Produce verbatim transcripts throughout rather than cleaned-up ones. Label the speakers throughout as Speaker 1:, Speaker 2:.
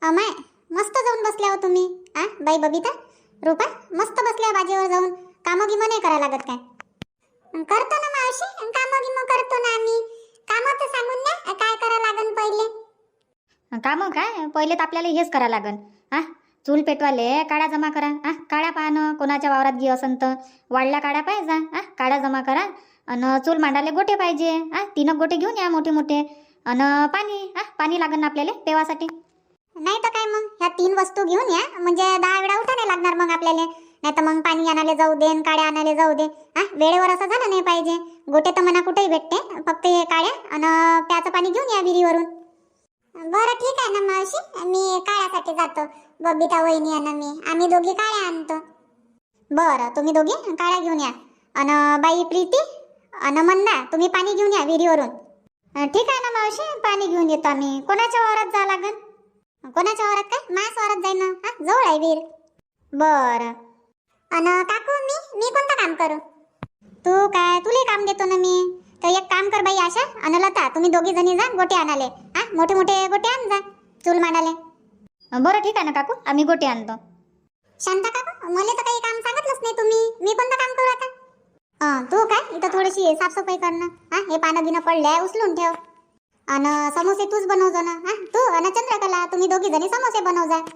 Speaker 1: अमाय, मस्त जाऊन बसल्या हो तुम्ही. आ बाई बबिता, रूपा, मस्त बसल्या बाजीवर जाऊन. कामं गिमं नाही करा लागत काय? करतो ना मावशी, कामं गिमं करतो ना आम्ही. कामं तर सांगून द्या, काय करा लागन पहिले.
Speaker 2: कामं काय, पहिले तर आपल्याला हेच करा लागन. हा, चूल पेटवाले काड्या जमा करा. हा, काड्या पाहणं कोणाच्या वावरात गी असन तर वाढल्या काड्या पाहिजे. हा, काड्या जमा करा. आणि चूल मांडाले गोटे पाहिजे. हा, तीन गोटे घेऊन या मोठे मोठे. आणि पाणी, हा पाणी लागन ना आपल्याला पेवासाठी.
Speaker 1: नाही तर काय मग, ह्या तीन वस्तू घेऊन या म्हणजे दहा वेळा उठा नाही लागणार मग आपल्याला. नाही तर मग पाणी आणायला जाऊ दे, काड्या आणायला जाऊ दे. हा, वेळेवर असं झालं नाही पाहिजे. गोटे तर मना कुठेही भेटते, फक्त हे काड्या आणि प्याचं पाणी घेऊन या विहिरीवरून. बरं ठीक आहे ना मावशी, मी काळ्यासाठी जातो. बबिता वहिनी आणि मी, आम्ही दोघी काळ्या आणतो. बरं, तुम्ही दोघी काळ्या घेऊन या. आणि बाई प्रीती आणि मंदा, तुम्ही पाणी घेऊन या विहिरीवरून. ठीक आहे ना मावशी, पाणी घेऊन येतो आम्ही. कोणाच्या वावरात जा लागन? कोणाच्या वावरात काय, माझ्याच वावरात जाईन ना. हा, जवळ आहे विहीर. बरं. अन काकू, मी मी कोणतं काम करू? तू काय, तुले काम देतो ना मी. तर एक काम कर बाई आशा आणि लता, तुम्ही दोघी जणी जा गोटे आणाले. हा, मोठे मोठे गोटे आण जा चूल मांडाले.
Speaker 2: बरं ठीक आहे ना काकू, आम्ही गोटे आणतो.
Speaker 1: शांता काकू, मला तर काही काम सांगितलंच नाही तुम्ही. मी कोणतं काम करू आता? हा, तू काय इथं थोडीशी साफसफाई करणं. हा, हे पानं गिनं पडलंय उचलून ठेव. आणि समोसे तूच बनवजो ना. हा, तू आणि चंद्रकला, तुम्ही दोघी जणी समोसे बनव जा.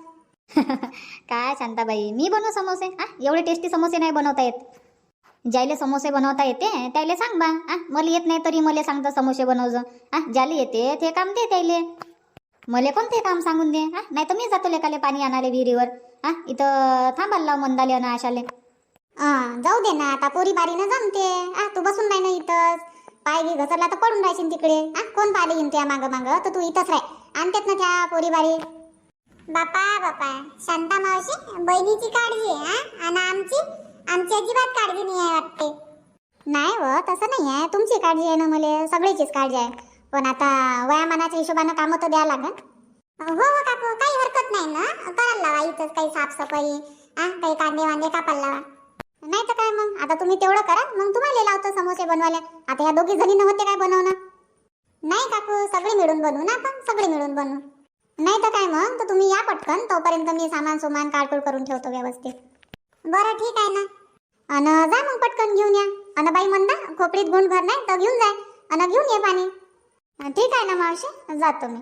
Speaker 2: काय शांताबाई, मी बनवू समोसे? हा, एवढे टेस्टी समोसे नाही बनवता येत. ज्याले समोसे बनवता येते त्याले सांग बा. हा, मला येत नाही तरी मला सांगता समोसे बनवजो. हा, ज्याले येते ते काम दे त्याले. मला कोणते काम सांगून दे. हा, नाही तर मी जातो लेकाले पाणी आणाले विहिरीवर. हा, इथं थांबायला लाव मंदाले आणि आशाले.
Speaker 1: हा, जाऊ दे ना, आता पोरी बारीनं जमते. हा, तू बसून नाही ना इथंच. पाय गी घसरला तर पडून राहशील तिकडे. हा, कोण पाहिले येईन त्या मागं मागं, तर तू इथंच राह. आणतेत ना त्या पोरी बारी. बापा बापा, शांता मावशी, बहिणीची काळजी आहे आणि आमची आमची अजिबात काळजी नाही आहे वाटते. नाही व, तसं नाही आहे. तुमची काळजी आहे ना, मला सगळीचीच काळजी आहे. पण आता वयामानाच्या हिशोबानं कामं तर द्या लागन. हो हो काकू, काही हरकत नाही ना, करायला लावा इथंच काही साफसफाई. हा, काही कांदे वांदे कापायला लावा. नाही तर काय मग, आता तुम्ही तेवढं करा, मग तुम्हाला लावतो समोसे बनवायला. आता ह्या दोघी जणी नव्हते काय बनवणं? नाही काकू, सगळे मिळून बनवू ना आपण, सगळे मिळून बनवू. नाही तर काय मग, तर तुम्ही या पटकन, तोपर्यंत मी सामान सुमान काढकूड करून ठेवतो व्यवस्थित. बरं ठीक आहे ना. अन जा मग पटकन घेऊन या. अन बाई मंदा, खोपडीत गुंड भर नाही तर घेऊन जाय आणि घेऊन ये पाणी. ठीक आहे ना मावशी, जातो मी.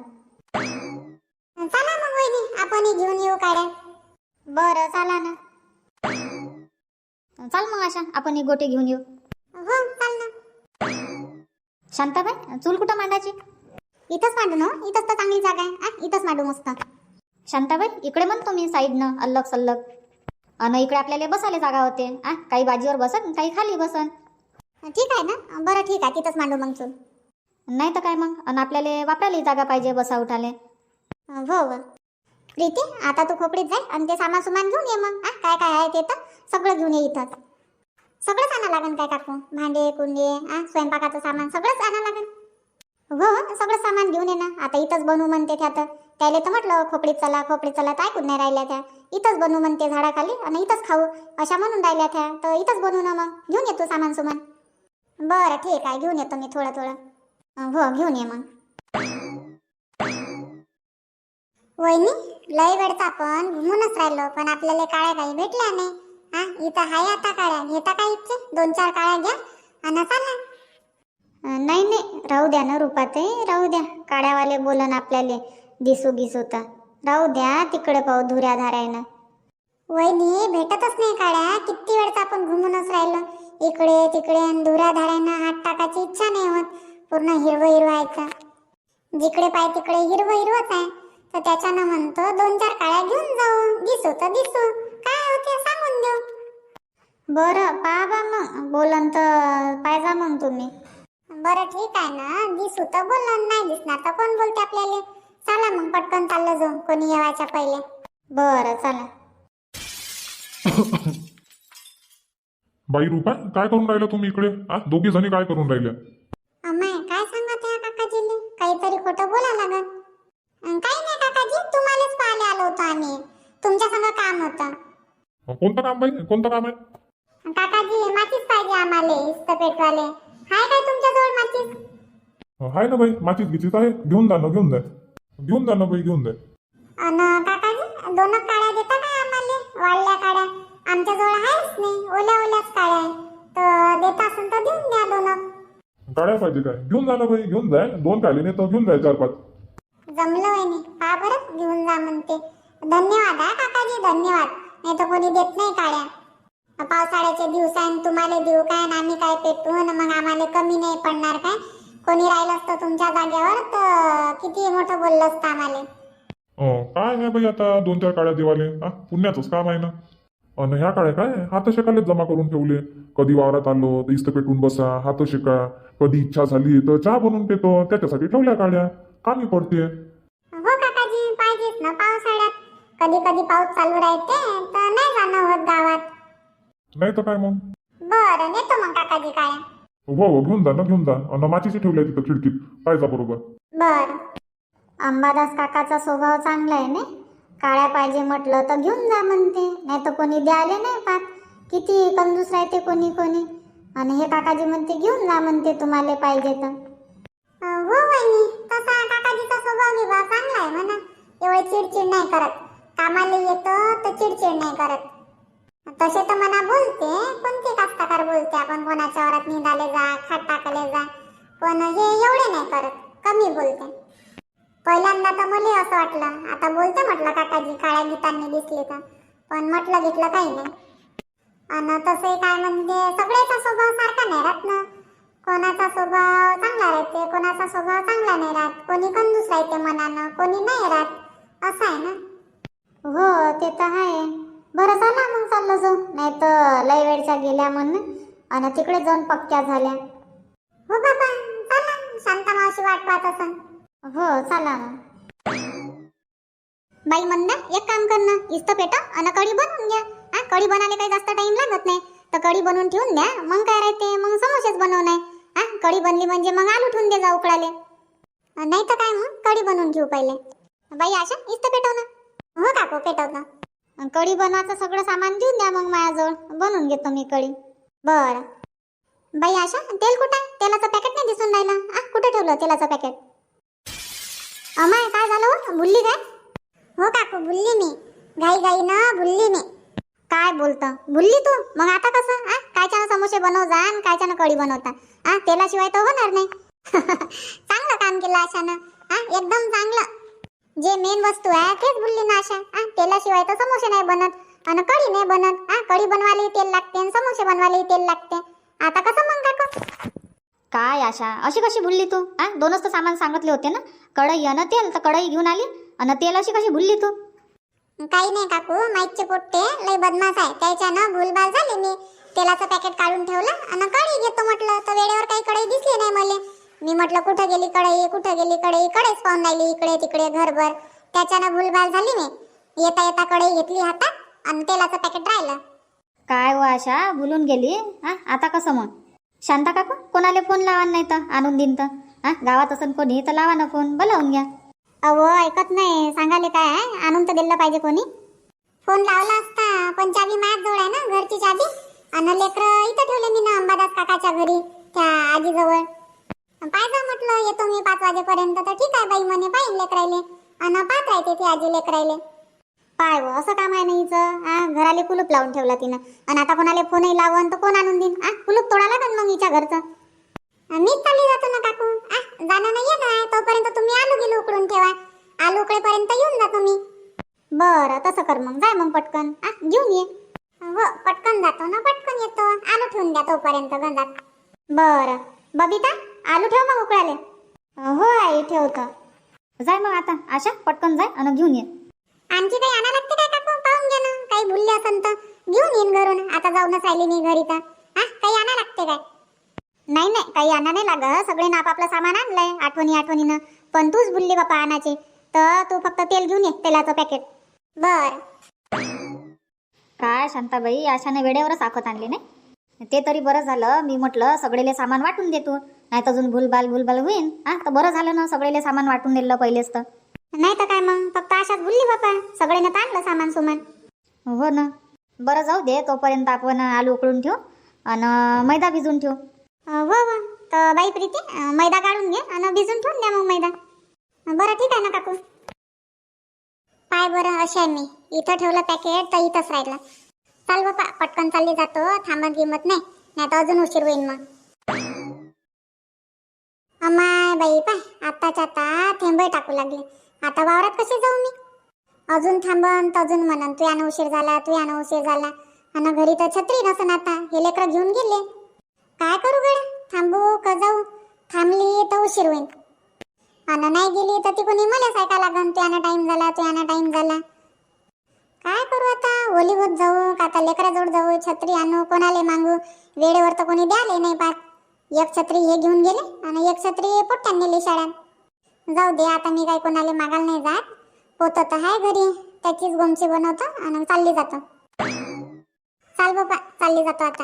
Speaker 1: चला मग वहिनी, आपण घेऊन येऊ काड्या. बरं, चला ना.
Speaker 2: चाल मग आशा, आपण एक गोटे घेऊन येऊ.
Speaker 1: हो, चाल ना.
Speaker 2: शांताबाई, चूल कुठं मांडायची?
Speaker 1: इथंच मांडू ना, इथंच तर चांगली जागा आहे. आ, इथंच मांडू मस्त.
Speaker 2: शांताबाई, इकडे म्हणतो मी साईडनं अल्लग सल्लग. आणि इकडे आपल्याला बसायला जागा होते. आ, काही बाजीवर बसन, काही खाली बसन.
Speaker 1: ठीक आहे ना. बरं ठीक आहे, तिथंच मांडू मग चूल.
Speaker 2: नाही तर काय मग, आणि आपल्याला वापरायला जागा पाहिजे बसा उठाले.
Speaker 1: हो हो प्रीती, आता तू खोपडीत जाय आणि ते सामान सुमान घेऊन ये मग. आ, काय काय आहे ते तर सगळं घेऊन ये इथंच. सगळंच आणा लागन काय काकू, भांडे कुंडे, आ स्वयंपाकाचं सामान सगळंच आणा लागन. हो, सगळं सामान घेऊन ये ना. आता इथंच बनवू म्हणते त्या, तर त्याला तर म्हटलं खोपडीत चला खोपडीत चला, तर ऐकून नाही राहिल्या त्या. इथंच बनवू म्हणते झाडाखाली आणि इथंच खाऊ अशा म्हणून राहिल्या त्या, तर इथंच बनवू ना मग. घेऊन येतो सामान सुमान. बरं ठीक आहे, घेऊन येतो मी थोडं थोडं. हो, घेऊन ये मग. वहिनी, लय वेळचा आपण घुमूनच राहिलो, पण आपल्याला काळ्या काही भेटल्या नाही. हा, इथं हाय आता काळ्या, घेता काय इथे? दोन चार काळ्या घ्या आणि चला. नाही नाही, राहू द्या ना रूपाताई, राहू द्या. काळ्यावाले बोलन आपल्याला दिसू गिसू तर राहू द्या, तिकडे पाहू धुऱ्या धारायनं. वहिनी, भेटतच नाही काळ्या. किती वेळचा आपण घुमूनच राहिलो, इकडे तिकडे, धुऱ्या धारायनं हात टाकायची इच्छा नाही होत. पूर्ण हिरवं हिरवं व्हायचं, जिकडे पाय तिकडे हिरवं हिरवंच आहे. तर त्याच्यानं म्हणतो दोन चार काळ्या घेऊन जाऊ, दिसू तर दिसू, काय होते सांगून देऊ. बरं पाहा मग, बोलन तर पाहिजा मग तुम्ही. बरं ठीक आहे ना, दिसू तर बोलन, नाही दिसणार तर कोण बोलते आपल्याला. चला मग पटकन चाललं जाऊ, कोणी येवायच्या पहिले. बरं चला.
Speaker 3: बाई रूपा, काय करून राहिला तुम्ही इकडे? आ, दोघी जणी काय करून राहिल्या?
Speaker 1: अम्माय, काय सांगत आहे काकाजीले? काहीतरी खोटं बोला लागत. काही नाही काकाजी, तुम्हालाच पाहायला आलो होतो आम्ही. तुमच्या संग काम होतं.
Speaker 3: कोणतं काम बाई, कोणतं काम आहे?
Speaker 1: काकाजी, माचीस पाहिजे आम्हाला, इस्त पेटवाले. हाय काय तुमच्याजवळ माचीस?
Speaker 3: हाय ना बाई, माचीस गिचीच आहे. घेऊन जा ना, घेऊन जा, घेऊन जा ना बाई, घेऊन जा.
Speaker 1: अन काकाजी दोन काड्या देता काय आम्हाला वाळल्या काड्या आमच्याजवळ आहेच नाही ओल्या ओल्याच काड्या आहे तर देत असेल तर देऊन द्या दोन
Speaker 3: काड्या पाहिजे काय घेऊन जा ना बाई घेऊन जाय दोन काढले नाही तर घेऊन जाय चार पाच
Speaker 1: जमलं वहिनी पहा बरं घेऊन जा म्हणते धन्यवाद हा काकाजी धन्यवाद नाही तर कोणी देत नाही काड्या पावसाळ्याचे दिवस आहे तुम्हाला देऊ काय आणि आम्ही काय पेटू आणि मग आम्हाला कमी नाही पडणार काय कोणी राहिलं असतं तुमच्या जागेवर तर किती मोठं बोललं असतं आम्हाला
Speaker 3: अं, काय नाही बाई आता दोन चार काड्या देवाले हा पुण्याचंच काम आहे ना आणि ह्या काड्या काय हात शेकालेच जमा करून ठेवले कधी वावरात आलो तर इस्त पेटून बसा हात शेका कधी इच्छा झाली तर चहा बनवून पेतो त्याच्यासाठी ठेवल्या काड्या कामी पडते
Speaker 1: हो काकाजी पाहिजेच ना पावसाळ्यात कधी कधी पाऊस चालू राहते तर नाही जाणं होत गावात
Speaker 3: नाही तर काय मग
Speaker 1: बरं नेतो मग काकाजी काड्या
Speaker 3: हो हो घेऊन जा ना घेऊन जा आणि माचीची ठेवली आहे तिथं खिडकीत पाहिजा बरोबर
Speaker 1: बर
Speaker 2: अंबादास काकाचा स्वभाव चांगला आहे ना काळ्या पाहिजे म्हटलं तर घेऊन जा म्हणते नाही तर कोणी द्यायला नाही पाहत किती कंजूस राहते कोणी कोणी आणि हे काकाजी म्हणते घेऊन जा म्हणते तुम्हाला पाहिजे तर
Speaker 1: हो वहिनी तसा काकाजीचा स्वभाव विभाग चांगला आहे म्हणा एवढे चिडचिड नाही करत कामाला येतं तर चिडचिड नाही करत तसे तर मना बोलते कोणते कास्तकार बोलते आपण कोणाच्या वरात निघाले जा खाट टाकले जा पण हे एवढे नाही करत कमी बोलते पहिल्यांदा तर मला असं वाटलं आता बोलते म्हटलं काकाजी काळ्या गीतांनी दिसले तर पण म्हटलं घेतलं काही नाही आणि तसे काय म्हणजे सगळ्याचा स्वभाव सारखा नाही राहत ना कोणाचा स्वभाव चांगला राहते कोणाचा स्वभाव चांगला नाही राहत कोणी कंजूस राहते मनानं कोणी नाही राहत असं आहे ना
Speaker 2: हो ते तर आहे बरं चला मग चाललो जाऊ नाही तर लय वेळच्या गेल्या म्हणून आणि तिकडे जाऊन पक्क्या झाल्या
Speaker 1: हो बाबा चला शांता मावशी वाट पाहत असन
Speaker 2: हो चला मग
Speaker 1: बाई मंदा एक काम कर ना इस्त पेटा आणि कढी बनवून घ्या हा कढी बनायला काही जास्त टाइम लागत नाही तर कढी बनवून ठेवून द्या मग काय राहते मग समोसेच बनवणार हा कढी बनली म्हणजे मग आलू ठेवून दे जा उकळाले नाही तर काय मग कढी बनवून ठेवू पहिले बाई आशा इस्त पेटव ना हो काकू पेटवतो
Speaker 2: कढी बनवायचं सगळं सामान देऊन द्या मग माझ्याजवळ बनवून घेतो मी कढी
Speaker 1: बरं बाई आशा तेल कुठं आहे तेलाचं पॅकेट नाही दिसून राहिलं आ कुठे ठेवलं तेलाचं पॅकेट अमाय काय झालं हो भुलली काय हो काकू भुलली मी घाई घाई ना भुलली मी
Speaker 2: काय बोलतं भुलली तू मग आता कसं आ कायच्यानं समोसे बनव जा आणि कायच्यानं कढी बनवता आ तेलाशिवाय तर होणार नाही
Speaker 1: चांगलं काम केलं आशानं हा एकदम चांगलं जे मेन वस्तू आहे तेच भुलली ना आशा हा तेलाशिवाय तर समोसे नाही बनत आणि कढी नाही बनत हा कढी बनवायलाही तेल लागते आणि समोसे बनवायलाही तेल लागते आता कसं मग काकू
Speaker 2: काय आशा अशी कशी भुलली तू आ दोनच तर सामान सांगितले होते ना कढई आणि तेल तर कढई घेऊन आली आणि तेल अशी कशी भुलली तू
Speaker 1: काही नाही काकू माईकचे पोट्टे लय बदमाश आहे त्याच्यानं भूलभाल झाली मी तेलाचं पॅकेट काढून ठेवलं आणि कढई घेतो म्हटलं तर वेळेवर काही कढई दिसली नाही मला मी म्हटलं कुठं गेली कढई कुठं गेली कढई कढईच पाहून राहिली इकडे तिकडे घरभर त्याच्यानं भूलभाल झाली मी येता येता कढई घेतली हातात आणि तेलाचं पॅकेट राहिलं
Speaker 2: काय हो आशा भुलून गेली हा आता कसं मग शांता काकू कोणाला फोन लावा नाही तर आणून देईन तर हा गावात असन कोणी तर लावा ना फोन बोलावून घ्या
Speaker 1: अहो ऐकत नाही सांगाले काय आहे आणून तर दिलं पाहिजे कोणी फोन लावला असता पण चाबी माझ्याजवळ आहे ना घरची चाबी आणि लेकरं इथं ठेवले मी ना अंबादास काकाच्या घरी त्या आजीजवळ पाहिजे म्हटलं येतो मी पाच वाजेपर्यंत तर ठीक आहे बाई म्हणे पाहिन लेकरायले आणि पाहत राहते ती आजी लेकरायले
Speaker 2: पाय हो असं काम आहे ना हिचं हा घराले कुलूप लावून ठेवला तिनं आणि आता कोणाला फोनही लावून तर कोण आणून देईन हा कुलूप तोडा लागन मग हिच्या घरचं
Speaker 1: मीच चालली जातो ना काकू आ जाणं नाही येत आहे तोपर्यंत तुम्ही आलू गेलो उकडून ठेवा आलू उकळेपर्यंत येऊन जा तुम्ही
Speaker 2: बरं तसं कर मग जाय मग पटकन आ घेऊन ये
Speaker 1: हो पटकन जातो ना पटकन येतो आलू ठेवून द्या तोपर्यंत गंजात
Speaker 2: बरं बबिता आलू ठेव मग उकळाले हो आई ठेवतो जाय मग आता आशा पटकन जाय आणि घेऊन ये
Speaker 1: आणखी काही आणा लागते काय काकू पाहून घे ना काही भुलले असन तर घेऊन येईन घरून आता जाऊनच राहिली मी घरी तर हा काही आणा लागते काय
Speaker 2: नाही नाही काही आणा नाही लागत सगळे ना आपापलं सामान आणलंय आठवणी आठवणीनं पण तूच भुलली बापा आणायचे तर तू फक्त तेल घेऊन ये तेलाचं पॅकेट
Speaker 1: बर
Speaker 2: काय शांताबाई आशाने वेळेवरच आखत आणले नाही ते तरी बरं झालं मी म्हटलं सगळेले सामान वाटून दे तू नाही तर अजून भूलभाल भूलभाल होईन हा तर बरं झालं ना सगळेले सामान वाटून दिलं पहिलेच तर
Speaker 1: नाही तर काय मग फक्त आशाच भुलली बापा सगळ्यांना तर आणलं सामान सुमान
Speaker 2: हो ना बरं जाऊ दे तोपर्यंत आपण आलू उकळून ठेवू आणि मैदा भिजून ठेवू
Speaker 1: हो हो तर बाई प्रीती मैदा काढून घे आणि भिजून ठेवून द्या मग मैदा बरं ठीक आहे ना काकू पाय बरं, अशी आहे मी. इथं ठेवलं पॅकेट तर इथंच राहिलं. चाल बापा, पटकन चालली जातो, थांबत गिमत नाही, नाही तर अजून उशीर होईल मग. अमाय बाई पाय, आत्ताच्या आता थेंबही टाकू लागले. आता वावरात कशी जाऊ मी? अजून थांबन तर अजून म्हणन तू यानं उशीर झाला, तू यानं उशीर झाला. आणि घरी तर छत्री नसन, आता हे लेकरं घेऊन गेले. काय करू गड्या, थांबू का जाऊ? थांबली तर उशीर होईल, आणि नाही गेली तर ती कोणी मला ऐका लागन, तू यानं टाइम झाला, तू यानं टाइम झाला. काय करू आता? ओलीभूत जाऊ का आता लेकराजवळ जाऊ? छत्री आणू, कोणाला मागू? वेळेवर तर कोणी द्याले नाही पाहत. एक छत्री हे घेऊन गेले आणि एक छत्री पोट्ट्यान नेली शाळेत. जाऊ दे, आता मी काही कोणाला मागायला नाही जात. पोतं तर आहे घरी, त्याचीच गोमची बनवतो आणि चालली जातो. चाल बाबा, चालली जातो आता.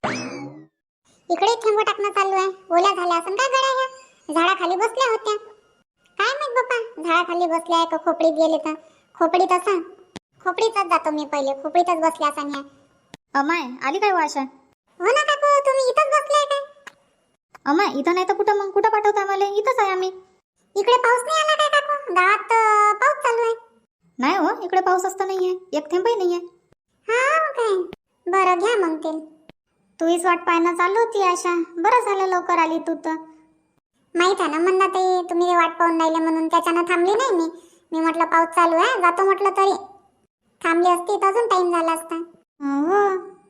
Speaker 1: इकडे थेंब टाकणं चालू आहे. ओल्या झाल्या असं काय गड्या, ह्या झाडाखाली बसल्या होत्या. काय माहित बाबा, झाडाखाली बसल्या का खोपडीत गेले तर? खोपडीत असं, खोपडीतच जातो मी पहिले, खोपडीतच बसल्या असं. ह्या
Speaker 2: अमाय आली काय वाशा?
Speaker 1: हो ना काकू, तुम्ही इथंच बसलाय काय?
Speaker 2: अमाय इथं नाही तर कुठं मग? कुठं पाठवता आम्हाला? इथंच आहे आम्ही.
Speaker 1: इकडे पाऊस नाही आला काय काकू? गावात अं, पाऊस चालू आहे.
Speaker 2: नाही हो, इकडे पाऊस असता नाहीये, एक थेंबही नाहीये.
Speaker 1: हा काय, बरं घ्या मग ते.
Speaker 2: तूच वाट पाहणं चालू होती आशा. बरं झालं लवकर आली तू तर.
Speaker 1: माहित आहे ना म्हणता ताई, तुम्ही वाट पाहून राहिले म्हणून त्याच्यानं थांबली नाही मी. मी म्हटलं पाऊस चालू आहे, जातो म्हटलं, तरी थांबली असती तर अजून टाइम झाला असता.
Speaker 2: हो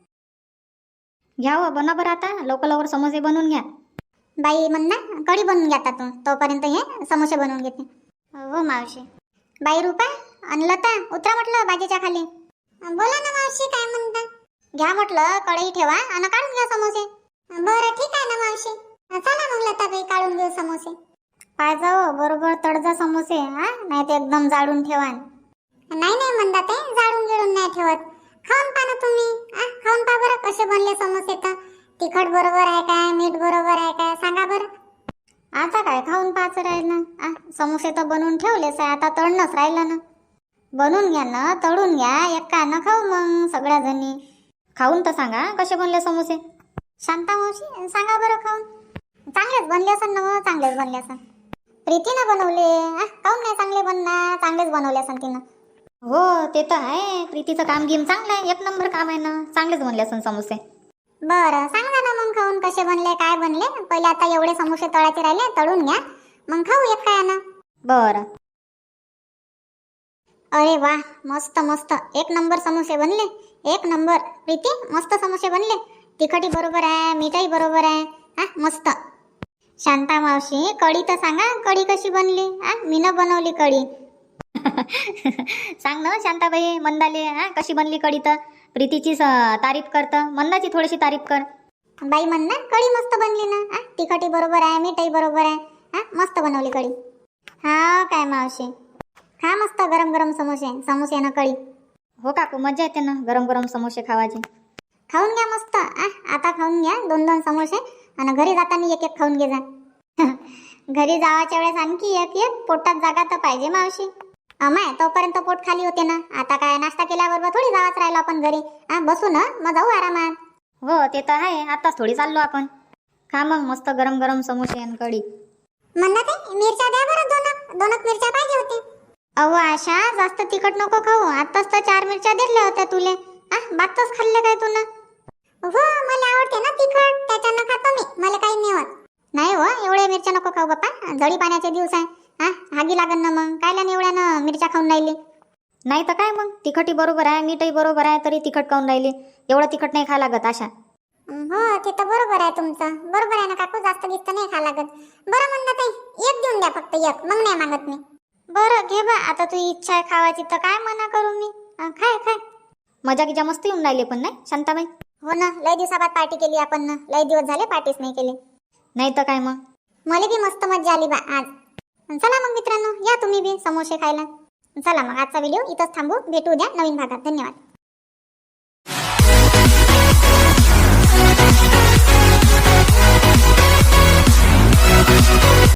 Speaker 2: घ्या हो, बनवा बरं आता लवकर लवकर समोसे बनवून घ्या.
Speaker 1: बाई म्हणना कढी बनवून घ्या आता तू, तोपर्यंत हे समोसे बनवून घेते.
Speaker 2: हो मावशी.
Speaker 1: बाई रुपा आणि लता, उतरा म्हटलं बाजीच्या खाली. बोला ना मावशी, काय म्हणता? घ्या म्हटलं कढई ठेवा आणि काढून घ्या समोसे. बरं ठीक आहे ना मावशी, चला मग लताबाई, काढून घेऊ समोसे.
Speaker 2: पाय जाओ बरोबर तडजा समोसे, हा नाही ते एकदम जाडून ठेवा.
Speaker 1: नाही नाही म्हणता ते, जाडून गिळून नाही ठेवत. खाऊन पहा ना तुम्ही, आ खाऊन पहा बरं कसे बनले समोसे. तर तिखट बरोबर आहे काय, मीठ बरोबर आहे काय, सांगा बरं.
Speaker 2: आता काय खाऊन पाहायचं राहिलं? आ समोसे तर बनवून ठेवलेच आहे, आता तळणंच राहिलं ना. बनवून घ्या ना, तळून घ्या, एकानं खाऊ मग सगळ्या जणी. खाऊन तर सांगा कसे बनले समोसे.
Speaker 1: शांता मावशी सांगा बरं खाऊन. चांगलेच बनले असन ना? हो चांगलेच बनले असन. प्रीतीनं बनवले, आ काऊन नाही चांगले बनणार? चांगलेच बनवले असन तिनं.
Speaker 2: हो ते तर आहे, प्रीतीचं काम गेम चांगलं आहे, एक नंबर काम आहे ना. चांगलेच बनले असन समोसे.
Speaker 1: बरं सांगा ना मग खाऊन कसे बनले, काय बनले. पहिले आता एवढे समोसे तळायचे राहिले, तळून घ्या, मग खाऊ एक काय ना.
Speaker 2: बरं.
Speaker 1: अरे वा, मस्त मस्त, एक नंबर समोसे बनले, एक नंबर. प्रीती मस्त समोसे बनले, तिखटी बरोबर आहे, मिठाई बरोबर आहे, हा मस्त. शांता मावशी कढी तर सांगा, कढी कशी बनली? हा मीनं बनवली कढी.
Speaker 2: सांग ना शांताबाई, मंदाले हा कशी बनली कढी. तर प्रीतीची तारीफ करत, मंदाची थोडीशी तारीफ कर.
Speaker 1: बाई म्हण ना कढी मस्त बनली ना, हा तिखटी बरोबर आहे, मिठाई बरोबर आहे, हा मस्त बनवली कढी. हा काय मावशी, खा मस्त गरम गरम समोसे, समोसे ना कढी.
Speaker 2: हो काकू, मजा येते ना गरम गरम समोसे खावायचे.
Speaker 1: खाऊन घ्या मस्त. आ आता खाऊन घ्या दोन दोन समोसे, आणि घरी जाताना एक एक खाऊन घे जा. घरी जावाच्या वेळेस आणखी एक एक, पोटात जागा तर पाहिजे मावशी. अमाय तोपर्यंत पोट खाली होते ना. आता काय नाश्ता केल्याबरोबर थोडी जावाच राहिलो आपण घरी, हा बसू ना मग जाऊ आरामात.
Speaker 2: हो ते तर आहे, आताच थोडी चाललो आपण. खा मग मस्त गरम गरम समोसे आणि कढी.
Speaker 1: म्हणत आहे मिरच्या द्या बरं, दोन दोनच मिरच्या पाहिजे होते.
Speaker 2: अहो आशा, जास्त तिखट नको खाऊ, आताच तर चार मिरच्या दिल्या होत्या तुले. आ बातच खाल्ले काय तुला?
Speaker 1: हो मला आवडते ना तिखट, त्याच्यानं खातो मी, मला काही नाही होत.
Speaker 2: नाही हो, एवढ्या मिरच्या नको खाऊ बाप्पा, जडी पाण्याचे दिवस आहे. हा हागी लागन ना मग, कायला एवढ्यानं मिरच्या खाऊन राहिली. नाही तर काय मग, तिखटी बरोबर आहे, मिठाई बरोबर आहे, तरी तिखट खाऊन राहिली. एवढं तिखट नाही खा लागत आशा.
Speaker 1: हो ते तर बरोबर आहे तुमचं, बरोबर आहे ना काकू, जास्त गिस्त नाही खा लागत. बरं म्हणत आहे एक देऊन द्या फक्त, एक, मग नाही मागत मी.
Speaker 2: बरं घे बा, आता तुझी इच्छा आहे खावायची तर काय मना करू मी. खाय खाय. मजा गिजा मस्त येऊन राहिली पण नाही शांताबाई.
Speaker 1: हो ना, लय दिवसाबाद पार्टी केली आपण ना, लय दिवस झाले पार्टीच नाही केली.
Speaker 2: नाही तर काय मग,
Speaker 1: मला बी मस्त मजा आली बा आज. चला मग मित्रांनो, या तुम्ही बी समोसे खायला. चला मग आजचा व्हिडिओ इथंच थांबू, भेटू उद्या नवीन भागात. धन्यवाद.